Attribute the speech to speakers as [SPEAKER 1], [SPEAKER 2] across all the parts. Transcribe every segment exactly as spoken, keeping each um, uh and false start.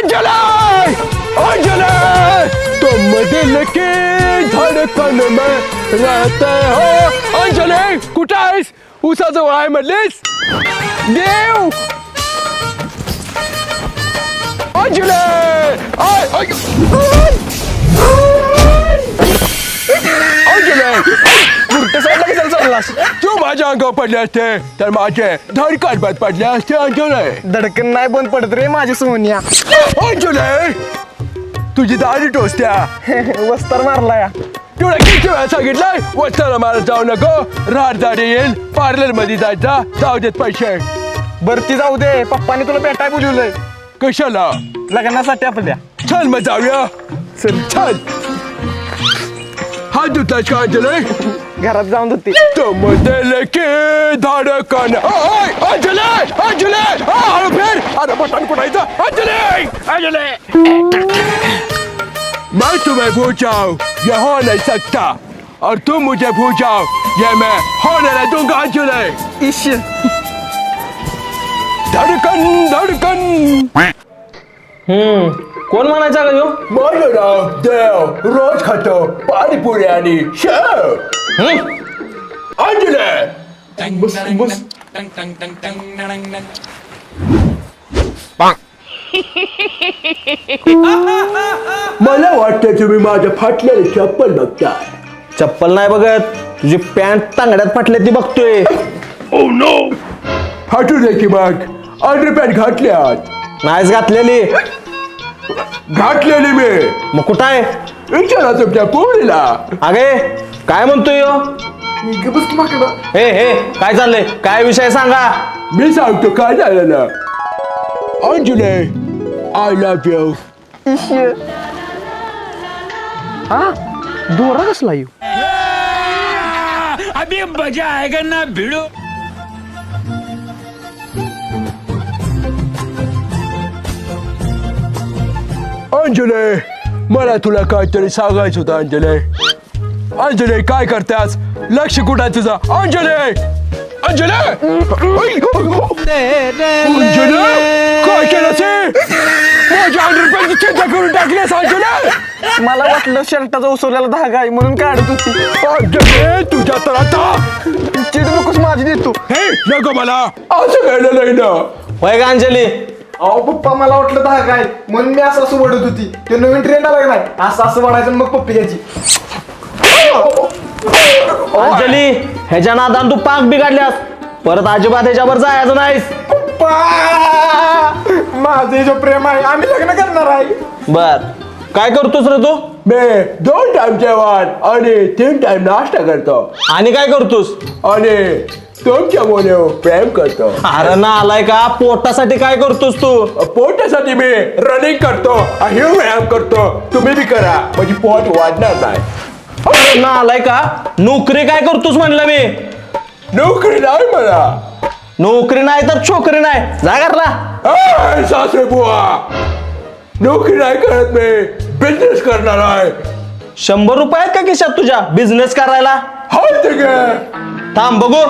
[SPEAKER 1] अंजली अंजली तुम दिल की धड़कन में रहते हो. अंजली कुठं आहेस? उसाजवळ आहे म्हणलीस. देव अंजली आय अंजली उलट साईडला कशाला चाललास? तू माझ्या अंगावर पडले असते तर माझे धडकन बंद पडले असते. अंजली
[SPEAKER 2] धडकन नाही बंद पडत रे माझी सोनिया.
[SPEAKER 1] अंजली तुझी दाढी टोचत्या.
[SPEAKER 2] वस्तार मारलाय.
[SPEAKER 1] तुला किती वेळा सांगितलंय वस्ताला मारत जाऊ नको. राहत दाढी येईल. पार्लर मध्ये जायचा. जाऊ देत पैसे.
[SPEAKER 2] बरती जाऊ दे. पप्पानी तुला भेटाय बोलवलंय.
[SPEAKER 1] कशाला?
[SPEAKER 2] लग्नासाठी आपल्या.
[SPEAKER 1] चल मग जाऊया. चल चल. हात धुतलास का अंजली?
[SPEAKER 2] घरात जाऊन धुते.
[SPEAKER 1] तुम दिल की धड़कन. अंजली अंजली हळू फिर. अरे बटन कुठायचं? अंजली अंजली मैं तुम्हें भूल जाऊं ये हो नहीं सकता और तुम मुझे भूल जाओ ये मैं होने नहीं दूंगा. अंजली
[SPEAKER 2] इश
[SPEAKER 1] धड़कन धड़कन.
[SPEAKER 2] हम्म कोण म्हणायचा का ह्यो?
[SPEAKER 1] माझं नाव देव. रोज खातो पाणीपुरी आणि शेव. अंजली
[SPEAKER 2] बस बस.
[SPEAKER 1] मला वाटतं तुम्ही माझं फाटलेले चप्पल बघता.
[SPEAKER 2] चप्पल नाही बघत. तुझी पॅन्ट तांगड्यात फाटले ती बघतोय.
[SPEAKER 1] ओ नो फाटू दे की मग. अंडरपॅन्ट घातल्यात.
[SPEAKER 2] नाहीच घातलेली.
[SPEAKER 1] घातलेली मी.
[SPEAKER 2] मग कुठं आहे?
[SPEAKER 1] विचारा तुमच्या पोरीला.
[SPEAKER 2] अगे काय म्हणतोय ह्यो? हे हे काय चाललंय? काय विषय सांगा.
[SPEAKER 1] मी सांगतो काय झालेलं. Anjali I love you.
[SPEAKER 2] हा दोरा कसला येऊ?
[SPEAKER 3] अभी मजा आएगा ना भिड़ो.
[SPEAKER 1] अंजली मला तुला काहीतरी सांगायचं होतं. अंजली अंजली काय करतेस? लक्ष कुठं आहे तुझं? अंजली अंजली अंजली काय केलं ते? माझ्या अंडरपॅन्टची चिंता करून टाकलीस. अंजली
[SPEAKER 2] मला वाटलं शर्टाचा उसवलेला धागा आहे म्हणून काढत होती.
[SPEAKER 1] अंजली तुझ्या तर आता
[SPEAKER 2] चिड नकोस माझी देतो.
[SPEAKER 1] हे नको मला असं घडलं नाही ना.
[SPEAKER 2] होय का अंजली? अहो पप्पा मला वाटलं धागा आहे म्हणून मी असं असं वडत होती. ते नवीन ट्रेंड आला नाही असं असं वडायचं मग पप्पी घ्यायची. अंजली ह्याच्या नादान तू पाक बिघडल्यास. परत अजिबात ह्याच्यावर जायचं नाहीस. माझे जो प्रेम आहे आम्ही लग्न करणार आहे. बर काय करतोस रे तू?
[SPEAKER 1] मी दोन टाइम जेवण आणि तीन टाइम नाश्ता करतो
[SPEAKER 2] आणि काय करतोस?
[SPEAKER 1] आणि तुमच्या मुले प्रेम करतो.
[SPEAKER 2] अरे ना आलाय का? पोटासाठी काय करतोस तू?
[SPEAKER 1] पोटासाठी मी रनिंग करतो आणि व्यायाम करतो. तुम्ही बी करा म्हणजे पोट वाढणार नाही.
[SPEAKER 2] अरे ना आलाय का? नोकरी काय करतोस म्हणलं मी.
[SPEAKER 1] नोकरी नाही मला.
[SPEAKER 2] नोकरी नाही तर छोकरी नाही. जा घरला.
[SPEAKER 1] ए, सासरे बुवा नोकरी नाही करत मी बिझनेस करणार आहे.
[SPEAKER 2] शंभर रुपये आहेत का खिशात तुझ्या बिझनेस करायला?
[SPEAKER 1] हो ठीक आहे.
[SPEAKER 2] थांब बघू.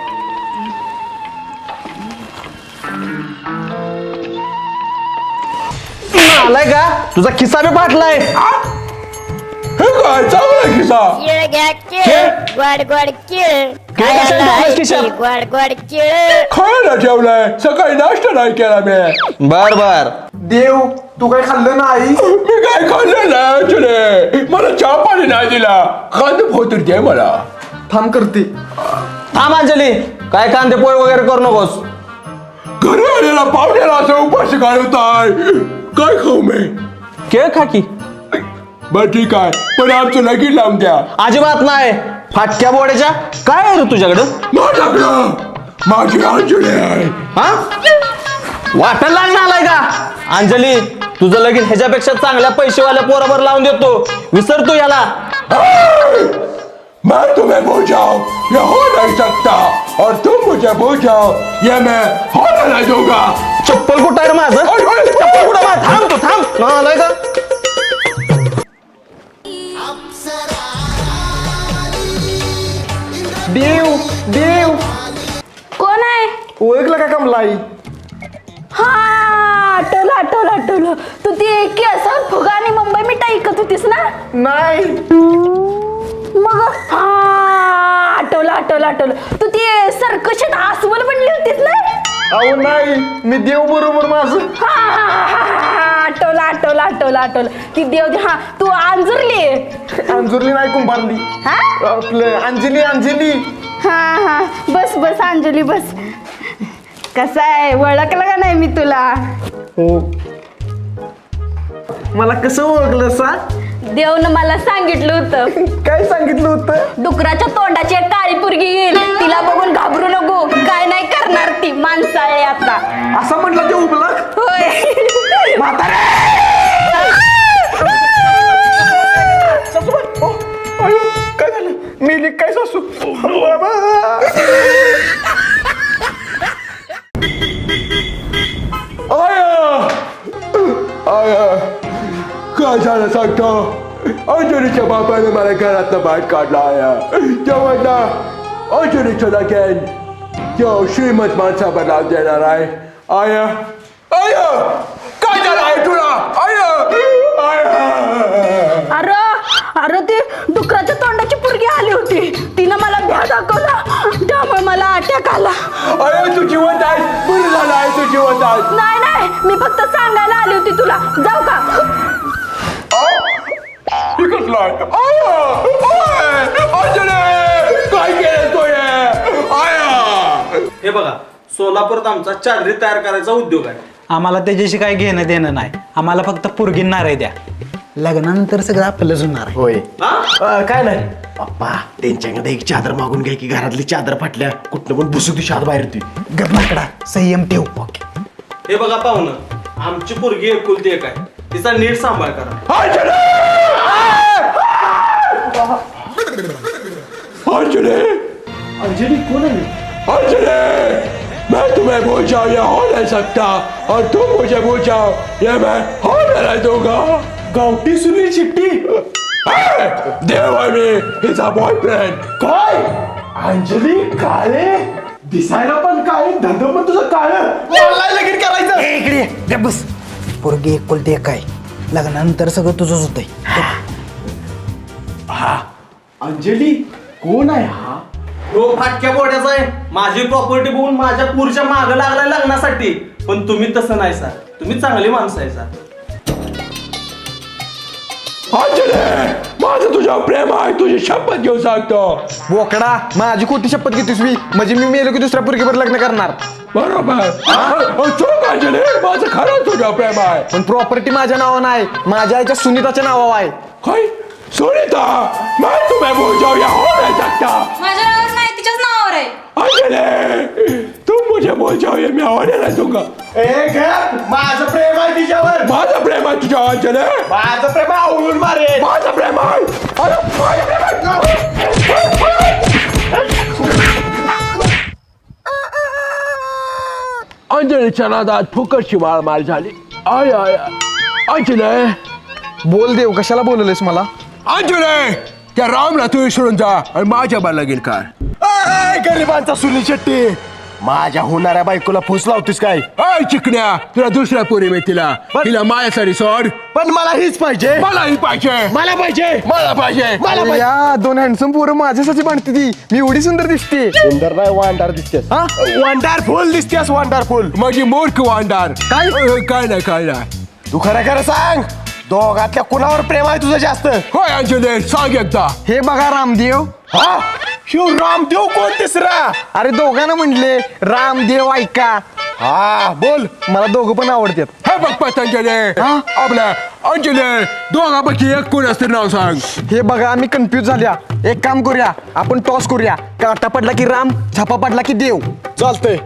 [SPEAKER 2] आलाय का? तुझा खिस्सा बी फाटलाय.
[SPEAKER 1] हे काय चांगला खिसा.
[SPEAKER 4] चिळ घ्या चिळ गोड गोड चिळ
[SPEAKER 2] काय कशाला टाकलंस खिशात?
[SPEAKER 4] गोड गोड चिळ
[SPEAKER 1] खायला ठेवलाय. सकाळी नाश्ता नाही केला मी.
[SPEAKER 2] बर बर.
[SPEAKER 5] देव तू काय खाल्लं नाही?
[SPEAKER 1] मी काय खाल्लं नाही. तुले मला चहा पाणी नाही दिला. कांदे फोतून दे मला.
[SPEAKER 5] थांब करते.
[SPEAKER 2] थांब अंजली. काय कांदे पोहे वगैरे करू नकोस.
[SPEAKER 1] घरी आलेला पाहुण्याला असं उपाशी घालवताय. काय खाऊ मी?
[SPEAKER 2] केळ खा की.
[SPEAKER 1] बर ठीक आहे पण आमचं लगीन लावून द्या.
[SPEAKER 2] अजिबात नाही. फाटक्या बोड्याच्या काय आहे रे तुझ्याकडं?
[SPEAKER 1] माझ्याकडं माझी अंजली आहे.
[SPEAKER 2] हा वाटायला लागणार आलाय का? अंजली तुझं लगीन ह्याच्यापेक्षा चांगल्या पैसेवाल्या पोराबर लावून देतो. विसर तू याला.
[SPEAKER 1] मैं तुम्हें भूल जाऊं ये हो नहीं सकता और तुम मुझे भूल जाओ ये मैं होने नहीं दूंगा.
[SPEAKER 2] चप्पल कुठं आहे रे माझं? चप्पल कुठं आहे? थांब तू थांब. ना आलाय का?
[SPEAKER 5] देव देव
[SPEAKER 4] कोण आहे?
[SPEAKER 5] ओळखलं का कमलाई?
[SPEAKER 4] हा आठवलं आठवलं
[SPEAKER 6] आठवलं तू ती केस फुगा आणि मुंबई मिठाई ऐकत होतीस ना.
[SPEAKER 5] नाही.
[SPEAKER 6] मग हा आठवलं आठवलं आठवलं तू ती सर्कशात आसवल बनली होतीस ना.
[SPEAKER 5] अहो नाही, मी देव बरोबर माझं.
[SPEAKER 6] हा हा, हा, हा, आठवलं आठवलं आठवलं आठवलं ती देव. हा तू अंजुरली.
[SPEAKER 5] अंजुरली नाही, कुंभारली.
[SPEAKER 6] हा
[SPEAKER 5] आपलं अंजली अंजली.
[SPEAKER 6] हा हा बस बस अंजली बस. कसं आहे ओळखलं का नाही मी तुला.
[SPEAKER 5] हो. मला कसं ओळखलं सा.
[SPEAKER 6] देवनं मला सांगितलं होतं.
[SPEAKER 5] काय सांगितलं होतं.
[SPEAKER 6] डुकराच्या तोंडाची एक काळी पोरगी येईल तिला बघून घाबरू नको काय नाही करणार ती माणसाळे आता.
[SPEAKER 5] असं म्हटलं ते उबला.
[SPEAKER 6] होय.
[SPEAKER 5] काय झालं. मी काय सासू. बाबा.
[SPEAKER 1] आया आया काय झालं सांगतो. अंजलीच्या बापाने मला घरातनं बाहेर काढला आया. तेव्हा ना अंजलीचं लगेन तो श्रीमंत माणसावर लावून देणार आहे. आया आया काय झालं आहे तुला. आया आया
[SPEAKER 6] अरे अरे ती डुकराच्या तोंडाची पोरगी आली होती तिनं मला भ्या दाखवला त्यामुळे मला अटॅक आला.
[SPEAKER 1] आया तू जिवंत आहेस. बरं झालं आहे तू जिवंत आहेस.
[SPEAKER 6] नाही नाही मी फक्त सांगायला आली होती तुला. जाऊ का.
[SPEAKER 1] कसला आया अंजली काय केलं तू आया.
[SPEAKER 2] हे बघा सोलापूरात आमचा चादरी तयार करायचा उद्योग आहे.
[SPEAKER 3] आम्हाला त्याच्याशी काही घेणं देणं नाही. आम्हाला फक्त पोरगींना रे द्या. लग्नानंतर सगळं आपलंच होणार आहे.
[SPEAKER 7] होय.
[SPEAKER 2] हा?
[SPEAKER 7] काय नाही पप्पा, त्यांच्याकडे एक चादर मागून घ्या की घरातली चादर फाटल्या कुठनं पण बसू ती शाद बाहेर ती.
[SPEAKER 3] गप्पाकडा संयम ठेव. ओके.
[SPEAKER 2] हे बघा पाहुणं आमची पोरगी एकुलती एक आहे तिचा नीट सांभाळ करा.
[SPEAKER 1] अंजलि
[SPEAKER 5] अंजली कोण आहे.
[SPEAKER 1] अंजलि मैं तुम्हें भूल जाऊं ये हो नहीं सकता और तुम मुझे भूल जाओ ये मैं होने नहीं दूंगा.
[SPEAKER 5] गावठी सुनील शेट्टी.
[SPEAKER 1] देव आहे मी. His a boyfriend.
[SPEAKER 5] काय. अंजली काळे दिसायला पण काळे धंदा पण तुझं काळं. मला लगीन करायचं.
[SPEAKER 3] ए, इकडे ये. गप बस. पोरगी एकुलती एक आहे. लग्नानंतर सगळं तुझंच होतंय.
[SPEAKER 5] अंजली कोण आहे हा.
[SPEAKER 2] तो फाटक्या बोड्याचा आहे. माझी प्रॉपर्टी बघून माझ्या पुरच्या मागं लागलाय लग्नासाठी. पण तुम्ही तसं नाही सर. तुम्ही चांगली माणसं आहे सर.
[SPEAKER 1] अंजलि माझं तुझ्यावर प्रेम आहे. तुझी शपथ घेऊन सांगतो.
[SPEAKER 5] बोकडा माझी खोटी शपथ घेतोस मी. म्हणजे मी मेलो की दुसऱ्या पोरगीवर लग्न करणार.
[SPEAKER 1] बरोबर. चूक अंजलि माझं खरं तुझ्यावर प्रेम आहे.
[SPEAKER 5] पण प्रॉपर्टी माझ्या नावावर नाही माझ्या आईच्या सुनीताच्या नावावर आहे.
[SPEAKER 1] काय सुनीता मैं तुम्हें भूल जाऊं ये हो नहीं सकता.
[SPEAKER 6] माझ्या नावावर नाही तिच्याच नावावर आहे.
[SPEAKER 1] अंजलि तुम मुझे भूल जाओ ये मैं होने नहीं दूंगा.
[SPEAKER 5] ए घर माझं प्रेम आहे तिच्यावर.
[SPEAKER 1] माझं प्रेम आहे तुझ्या अंजलि.
[SPEAKER 5] माझं प्रेम आवडून मारे.
[SPEAKER 1] माझं प्रेम आहे. अरे माझं प्रेम आहे. अंजलीच्या नादात फुकटची मारमार झाली. आय आय अंजली
[SPEAKER 5] बोल देव कशाला बोलवलेस मला.
[SPEAKER 1] अंजली त्या रामला तू विसरून जा आणि माझ्या बाला लगीन कर.
[SPEAKER 7] ए, गरिबांचा सुनील शेट्टी माझ्या होणाऱ्या बायकोला फुस लावतीस काय.
[SPEAKER 1] अय चिकण्या तुला दुसऱ्या पोरी मिळतीला तिला माझ्यासाठी सोड.
[SPEAKER 7] पण मला हीच पाहिजे.
[SPEAKER 1] मलाही पाहिजे.
[SPEAKER 7] मला पाहिजे.
[SPEAKER 1] मला पाहिजे.
[SPEAKER 7] मला
[SPEAKER 5] अरे
[SPEAKER 7] पाहिजे.
[SPEAKER 5] या दोन हँडसम पोरं माझ्यासाठी बांधते ती. मी एवढी सुंदर दिसते.
[SPEAKER 7] सुंदर नाही वांडार दिसतेस.
[SPEAKER 5] हा?
[SPEAKER 7] वंडरफुल दिसतेस वंडरफुल.
[SPEAKER 1] माझी मूर्ख वांडार.
[SPEAKER 5] काय?
[SPEAKER 1] अ, काय नाही काय नाही.
[SPEAKER 7] तू खरं खरं सांग दोघातल्या कुणावर प्रेम आहे तुझं जास्त.
[SPEAKER 1] होय अंजली सांग एकदा.
[SPEAKER 5] हे बघा रामदेव.
[SPEAKER 7] हा शिव रामदेव कोण तिसरा.
[SPEAKER 5] अरे दोघांना म्हटले रामदेव ऐका.
[SPEAKER 7] हा बोल.
[SPEAKER 5] मला दोघं पण आवडतात.
[SPEAKER 1] हे बघ पतंजली
[SPEAKER 5] हा?
[SPEAKER 1] आपल्या अंजली दोघांपैकी एक कोण असते नाव सांग.
[SPEAKER 5] हे बघा आम्ही कन्फ्यूज झाल्या. एक काम करूया आपण टॉस करूया. काटा पडला की राम झापा पडला की देव.
[SPEAKER 7] चालतंय.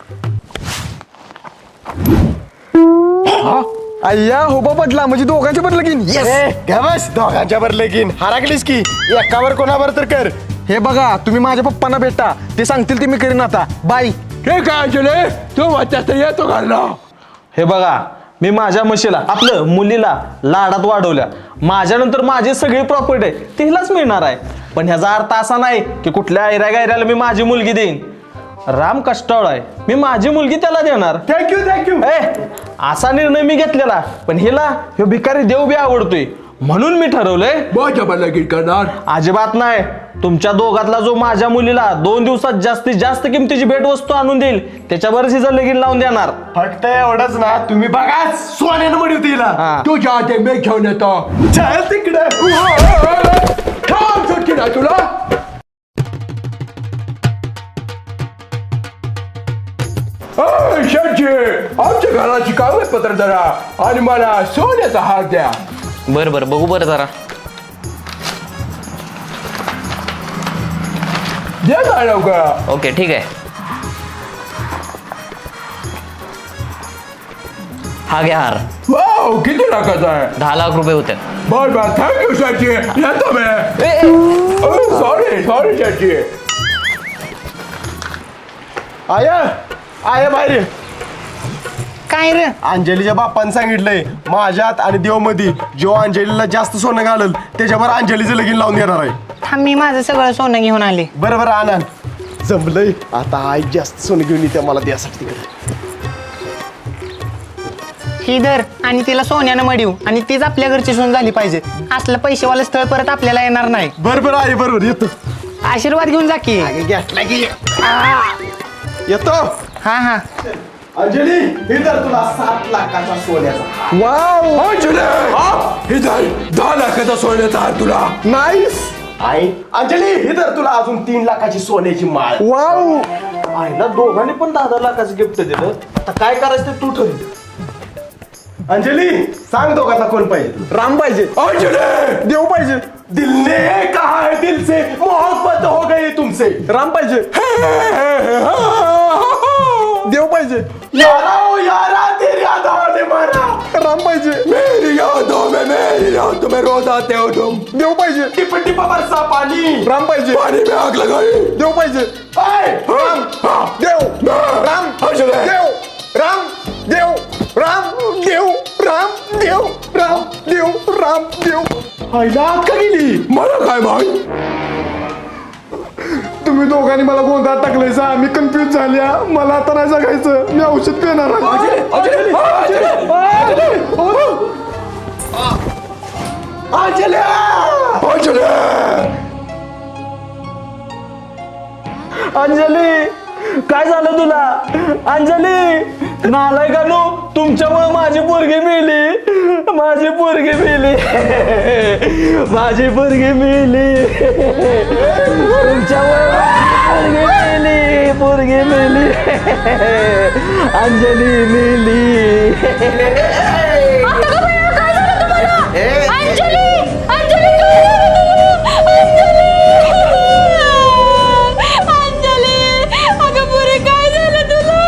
[SPEAKER 5] अय्या होबा पडला म्हणजे दोघांचे पडलं की
[SPEAKER 7] ए, घ्या बस दोघांच्या वर लगीन हराकलीस की एकावर कोणावर तर कर.
[SPEAKER 5] हे बघा तुम्ही माझ्या पप्पांना भेटा ते सांगतील ते मी करीन आता. बाय.
[SPEAKER 1] ठीक आहे अंजली तू म्हणतेस तर येतो घरला.
[SPEAKER 2] हे बघा मी माझ्या म्हशीला आपलं मुलीला लाडात वाढवल्या. माझ्यानंतर माझी सगळी प्रॉपर्टी आहे तिलाच मिळणार आहे. पण ह्याचा अर्थ असा नाही की कुठल्या ऐऱ्या गायऱ्याला मी माझी मुलगी देईन. राम कष्टाळ आहे, मी माझी मुलगी त्याला देणार.
[SPEAKER 5] Thank you thank you.
[SPEAKER 2] ए असा निर्णय मी घेतलेला, पण हिला ह्यो भिकारी देव बी आवडतोय म्हणून मी ठरवलंय
[SPEAKER 1] माझ्या मला लगीन करणार.
[SPEAKER 2] अजिबात नाही. तुमच्या दोघातला जो माझ्या मुलीला दोन दिवसात जास्तीत जास्त किमतीची भेटवस्तू आणून देईल त्याच्यावरच हिचं लगीन लावून देणार.
[SPEAKER 5] फक्त एवढंच ना, तुम्ही बघा सोन्यानं मडी होती हिला.
[SPEAKER 2] हा.
[SPEAKER 1] तुझ्या आधी मी घेऊन येतो.
[SPEAKER 5] चल तिकडे.
[SPEAKER 1] थांब सुट्टी ना तुला. अय, शेठजी, आमच्या घराची कागदपत्र जरा आणि मला सोन्याचा हार द्या.
[SPEAKER 8] बरं बरं बघू बरं जरा.
[SPEAKER 1] द्या ना लवकर.
[SPEAKER 8] ओके ठीक आहे. हा घ्या हार.
[SPEAKER 1] वाव, किती लाखाचा आहे.
[SPEAKER 8] दहा लाख रुपये होते.
[SPEAKER 1] बर बर, थँक्यू शेठजी. येतो मी. सॉरी सॉरी शेठजी.
[SPEAKER 5] आय आय बाहेर ये.
[SPEAKER 3] काय रे?
[SPEAKER 5] अंजलीच्या बाप्पाने सांगितलंय माझ्यात आणि देवमध्ये जो अंजलीला जास्त सोनं घालल त्याच्यावर अंजलीचं लगीन लावून देणार आहे.
[SPEAKER 3] थांब, मी माझं सगळं सोनं घेऊन आले.
[SPEAKER 5] बरं बरं आनंद जमलंय. आता आई जास्त सोनं घेऊन येते मला द्यासाठी तिकडे.
[SPEAKER 3] ही धर आणि तिला सोन्यानं मडीव आणि तीच आपल्या घरची सोन झाली पाहिजे. असलं पैसेवालं स्थळ परत आपल्याला येणार नाही.
[SPEAKER 5] बरं बरं आई बरोबर येतो.
[SPEAKER 3] आशीर्वाद घेऊन जा की.
[SPEAKER 5] घेतला की येतो.
[SPEAKER 3] हा हा.
[SPEAKER 5] अंजली हे तर तुला सात लाखाचा सोन्याचा.
[SPEAKER 1] वाव, अंजली, हे धर, दहा लाखाचा सोन्याचा हार तुला.
[SPEAKER 5] नाईस. आई अंजली हे तर तुला अजून तीन लाखाची सोन्याची माळ.
[SPEAKER 2] वाव, आईला दोघांनी पण दहा दहा लाखाचं गिफ्ट दिलं. आता काय करायचं ते तू ठरव.
[SPEAKER 5] अंजली सांग दोघांना कोण पाहिजे.
[SPEAKER 2] राम पाहिजे.
[SPEAKER 5] अंजली देव पाहिजे. दिल ने कहा है दिल से मोहब्बत हो गई तुमसे.
[SPEAKER 2] राम पाहिजे.
[SPEAKER 5] देव पाहिजे. यारा ओ यारा तेरी यादों ने मारा. राम पाहिजे.
[SPEAKER 1] मेरी यादों में मेरी यादों में रोज आते हो तुम.
[SPEAKER 5] देव पाहिजे. टिप टिप बरसा पानी. राम पाहिजे.
[SPEAKER 1] पानी में आग लगाई.
[SPEAKER 5] देव पाहिजे. आय राम देव राम
[SPEAKER 1] अंजली.
[SPEAKER 5] देव राम देव राम देव राम देव राम देव राम देव. आईला आत का गेली.
[SPEAKER 1] मला काय माहित.
[SPEAKER 5] तुम्ही दोघांनी मला गोंधळात टाकलंय सा. मी कन्फ्युज झाल्या. मला आता नाही जगायचं. मी औषध पिणार आहे.
[SPEAKER 1] अंजली, अंजली,
[SPEAKER 5] अंजली
[SPEAKER 1] अंजली.
[SPEAKER 2] अंजली, काय झालं तुला? अंजली, नालायकानो, तुमच्यामुळे माझी पोरगी मेली. माझी पोरगी मेली. माझी पोरगी मेली. तुमच्यामुळे पोरगी मेली. पोरगी मेली. अंजली मेली.
[SPEAKER 6] अंजली अंजली काय झालं तुला? अंजली अंजली अगं पुरे काय झालं तुला?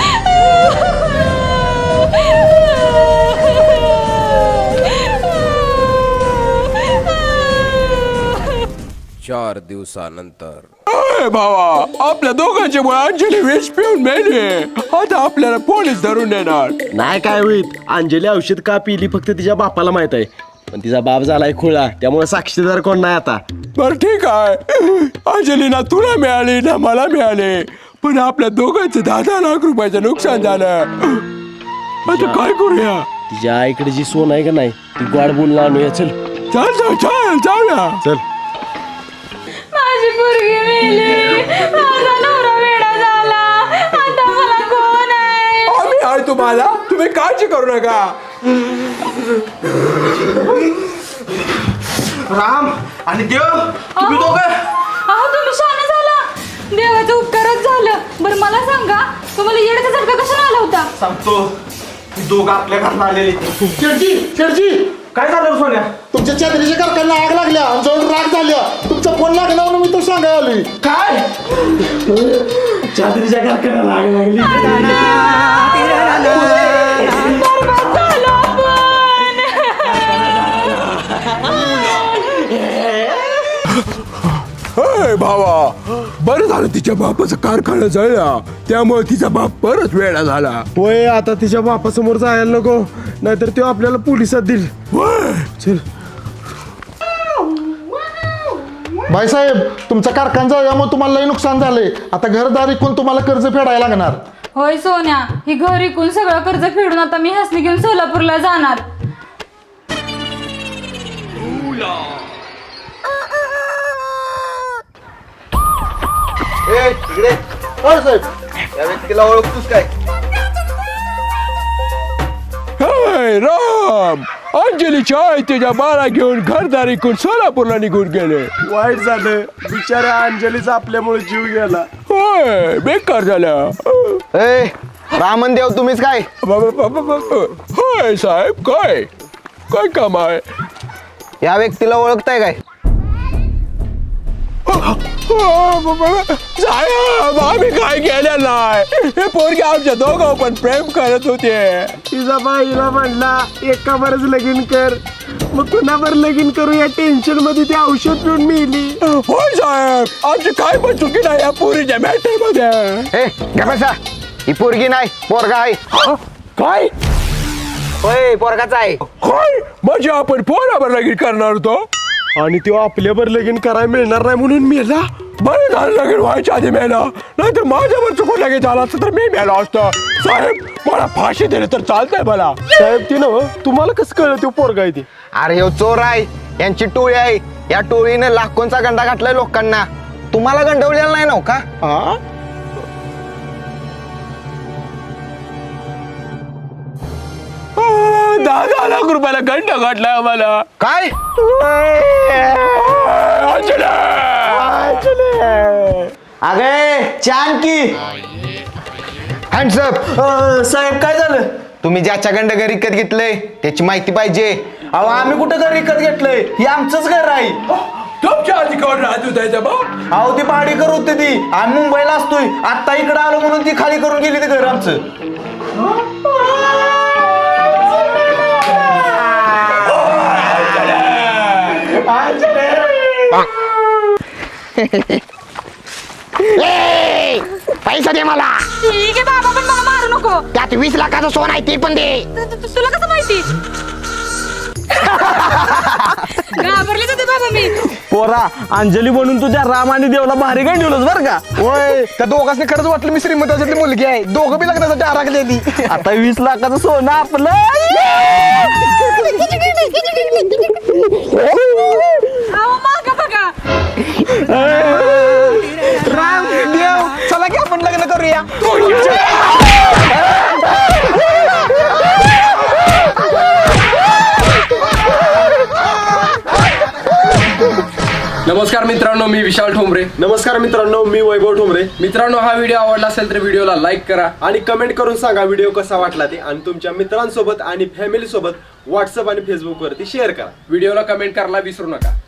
[SPEAKER 9] चार दिवसानंतर.
[SPEAKER 1] अय भावा, आपल्या दोघांच्यामुळे अंजली विष पिऊन मेली. आता आपल्याला पोलीस धरून नेणार.
[SPEAKER 5] नाही काय होईल. अंजली औषध का पिली फक्त तिच्या बापाला माहित आहे. पण तिचा बाप झालाय खुळा, त्यामुळे साक्षीदार कोण नाही आता.
[SPEAKER 1] बर ठीक आहे. अंजली ना तुला मिळाली ना मला मिळाले, पण आपल्या दोघांचं दहा दहा लाख रुपयाचं नुकसान झालं. आता काय करूया.
[SPEAKER 5] तिच्या आईकडे जी सोन आहे का नाही ती गोड बोलून आणूया. चल
[SPEAKER 1] चल चल चल जाऊया.
[SPEAKER 5] चल.
[SPEAKER 6] माझी पोरगी मेली. माझा नवरा वेडा झाला. आता मला कोण आहे?
[SPEAKER 1] आम्ही आहे तुम्हाला. तुम्ही काळजी करू नका.
[SPEAKER 2] राम आणि देव, तुम्ही दोघं.
[SPEAKER 6] अहो तुम्ही शहाणे झाला. देवाचं उपकारच झालं. बरं मला सांगा, तुम्हाला येण्याचा झटका कशाला आला होता?
[SPEAKER 2] सांगतो, ती दोघं आपल्या घरात आलेली.
[SPEAKER 5] शेठजी शेठजी
[SPEAKER 2] काय झालं सोन्या?
[SPEAKER 5] तुमच्या चादरीच्या कारखान्याला आग लागल्या. आमच्यावर राग झाल्या. तुमचा फोन लागला म्हणून मी तो सांगायला आलोय. काय चादरीच्या कारखान्याला आग लागली.
[SPEAKER 6] बरबाद झालो आपण.
[SPEAKER 1] अय भावा, बरं झालं तिच्या बापाचा कारखाना जळला, त्यामुळे तिचा बाप परत वेळा झाला.
[SPEAKER 5] होय, आता तिच्या बापासमोर जायला नको, नाहीतर तो आपल्याला पोलिसात देईल.
[SPEAKER 1] होय.
[SPEAKER 5] चल. भाईसाहेब तुमचा कारखाना यामुळे तुम्हाला लई नुकसान झालंय. आता घरदार इकून तुम्हाला कर्ज फेडायला लागणार.
[SPEAKER 6] होय सोन्या, ही घर इकून सगळं कर्ज फेडून आता मी हसली घेऊन सोलापूरला जाणार.
[SPEAKER 5] या व्यक्तीला ओळखतोस काय?
[SPEAKER 1] हाय राम, अंजलीच्या आई तिच्या बाळा घेऊन घरदारी करून सोलापूरला निघून गेले.
[SPEAKER 7] वाईट झालं, बिचाऱ्या अंजलीचा आपल्यामुळे जीव गेला.
[SPEAKER 1] होय, बेकार झालं.
[SPEAKER 3] ए रामन देव तुम्हीच काय?
[SPEAKER 1] होय साहेब, काय काय काम आहे?
[SPEAKER 3] या व्यक्तीला ओळखताय काय?
[SPEAKER 1] साहेब, आम्ही काय केलं नाही. हे पोरगे आमच्या दोघं पण प्रेम करत होते.
[SPEAKER 7] तिचा बाईला म्हणला एका बरच लगीन कर, मग कुणावर लगीन करू या टेन्शन मध्ये ती औषध पिऊन मिली.
[SPEAKER 1] होय साहेब, आमची काय पण चुकी नाही या पोरीच्या मॅटर मध्ये.
[SPEAKER 3] ए गपसा, ही पोरगी नाही पोरगा आहे.
[SPEAKER 1] काय?
[SPEAKER 3] होय पोरगाच आहे.
[SPEAKER 1] होय, म्हणजे आपण पोरावर लगीन करणार होतो
[SPEAKER 7] आणि तो आपल्यावर लगीन करायला मिळणार नाही म्हणून मेला.
[SPEAKER 1] बरं झालं लगीन व्हायच्या आधी मेला, नाहीतर माझ्यावर चुकून लगेच झाला असतं तर मी मेला असतो. साहेब, मला फाशी दिली तर चालतंय मला.
[SPEAKER 7] साहेब ती नव तुम्हाला कसं कळलं तो पोरगा आहे ती?
[SPEAKER 3] अरे हो चोर आहे, यांची टोळी आहे. या टोळीने लाखोंचा गंडा घातलाय लोकांना. तुम्हाला गंडवलेला नाही नव का?
[SPEAKER 7] हा
[SPEAKER 1] दहा दहा लाख रुपयाला घंटा घातला आम्हाला.
[SPEAKER 3] काय? अगे छान की हँड्सअप.
[SPEAKER 2] साहेब काय झालं?
[SPEAKER 3] तुम्ही ज्याच्या गंड घर विकत घेतलंय त्याची माहिती पाहिजे.
[SPEAKER 2] अहो आम्ही कुठं घर विकत घेतलंय? हे आमचंच घर आहे.
[SPEAKER 1] तुमच्या आधी कोण राहत होता बा?
[SPEAKER 2] अहो ती भाडेकर होती ती. आम्ही मुंबईला असतोय, आता इकडे आलो म्हणून ती खाली करून गेली ते घर आमचं.
[SPEAKER 3] पैसा दे मला.
[SPEAKER 6] ठीक आहे बाबा, पण मला मारू नको.
[SPEAKER 3] त्यात वीस लाखाचं सोन आहे ते पण दे.
[SPEAKER 6] तुला कसं माहिती? घाबरले होते बाबा मी.
[SPEAKER 2] पोरा, अंजली म्हणून तुझ्या राम आणि देवला भारी काय ठेवलंस बरं का?
[SPEAKER 5] होय, त्या दोघांनी खरंच वाटलं मी श्रीमंताची मुलगी आहे. दोघं बी लग्नासाठी आराखलेली.
[SPEAKER 2] आता वीस लाखाचं सोनं आपलं.
[SPEAKER 6] अहो मागं बघा.
[SPEAKER 5] राम देव, चला की आपण लग्न करूया.
[SPEAKER 9] नमस्कार मित्रांनो, मी विशाल ठोंबरे.
[SPEAKER 7] नमस्कार मित्रांनो, मी वैभव ठोंबरे.
[SPEAKER 9] मित्रांनो, हा व्हिडिओ आवडला असेल तर व्हिडिओला लाईक करा
[SPEAKER 7] आणि कमेंट करून सांगा व्हिडिओ कसा वाटला ते, आणि तुमच्या मित्रांसोबत आणि फॅमिली सोबत व्हॉट्सअप आणि फेसबुक वरती शेअर करा.
[SPEAKER 9] व्हिडिओला कमेंट करायला विसरू नका.